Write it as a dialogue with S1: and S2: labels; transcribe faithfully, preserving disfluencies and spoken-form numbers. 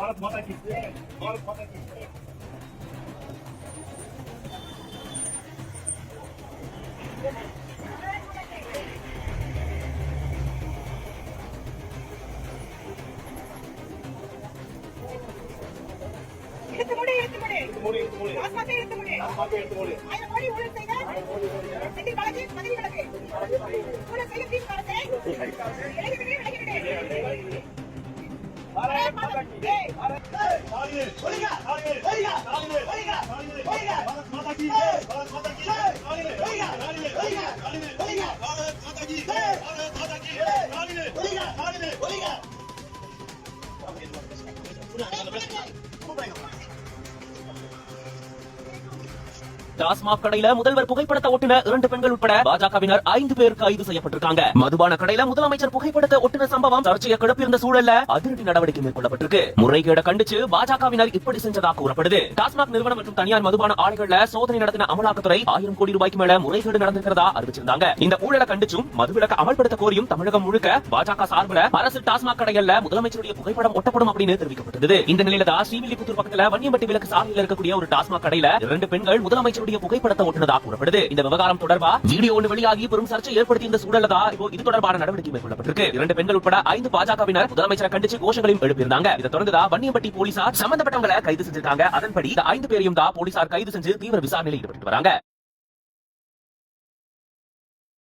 S1: भारत माता की भारत माता की
S2: எடுத்து முடி எடுத்து முடி
S1: எடுத்து மூடி எடுத்து மூடி
S2: ஆஸ்மாத்தை எடுத்து முடி
S1: ஆஸ்மாத்தை எடுத்து மூடி
S2: ஆயிரம் கோடி ஊழல் செய்த செந்தில் பாலாஜி பதவி விலகு ஊழல் செய்த திமுக அரசை இளைஞர்களே விலகிவிடு
S1: भारत माता की भारत तालिये बोलिगा तालिये बोलिगा तालिये बोलिगा तालिये बोलिगा भारत माता की भारत माता की तालिये बोलिगा तालिये बोलिगा तालिये बोलिगा भारत माता की भारत माता की तालिये बोलिगा तालिये बोलिगा
S3: டாஸ்மாக் கடையில முதல்வர் புகைப்படத்தை ஒட்டின இரண்டு பெண்கள் உட்பட பாஜகவினர் ஐந்து பேர் கைது செய்யப்பட்டிருக்காங்க. மதுபான கடையில முதலமைச்சர் புகைப்படத்தை ஒட்டின சம்பவம் சர்ச்சையை கிளப்பியிருந்த சூழல்ல அதிரடி நடவடிக்கை மேற்கொள்ளப்பட்டிருக்கு. முறைகேட கண்டிச்சு பாஜகவினர் இப்படி செஞ்சதாக கூறப்படுது. டாஸ்மாக் நிறுவனம் மற்றும் தனியார் மதுபான ஆலைகள்ல சோதனை நடத்தின அமலாக்கத்துறை ஆயிரம் கோடி ரூபாய்க்கு மேல முறைகேடு நடந்திருக்கிறதா அறிவிச்சிருந்தாங்க. இந்த ஊழலை கண்டிச்சும் மதுவிலக்கு அமல்படுத்த கோரியும் தமிழகம் முழுக்க பாஜக சார்பில் அரசு டாஸ்மாக் கடைகள்ல முதலமைச்சருடைய புகைப்படம் ஒட்டப்படும் அப்படின்னு தெரிவிக்கப்பட்டது. இந்த நிலையில தான் ஸ்ரீவில்லிபுத்தூர் பக்கத்துல வன்னியம்பட்டி விலக்கு சாலையில் இருக்கக்கூடிய ஒரு டாஸ்மாக் கடையில இரண்டு பெண்கள் முதலமைச்சருடைய புகைப்படத்தை ஒட்டினதாக கூறப்படுது. இந்த விவகாரம் தொடர்பா வீடியோ ஒன்று வெளியாகி பெரும் சர்ச்சை ஏற்படுத்தி இந்த சூழல்ல இப்போ இது தொடர்பான நடவடிக்கை மேற்கொள்ளப்பட்டிருக்கு. இரண்டு பெண்கள் உட்பட ஐந்து பாஜகவினர் முதலமைச்சரை கண்டிச்சு கோஷங்களையும் எழுப்பியிருந்தாங்க. இதை தொடர்ந்துதான் வன்னியம்பட்டி போலீசார் சம்பந்தப்பட்டவங்களை கைது செஞ்சிருக்காங்க. அதன்படி இந்த ஐந்து பேரையும் தான் போலீசார் கைது செஞ்சு தீவிர விசாரணையில் ஈடுபட்டு வராங்க.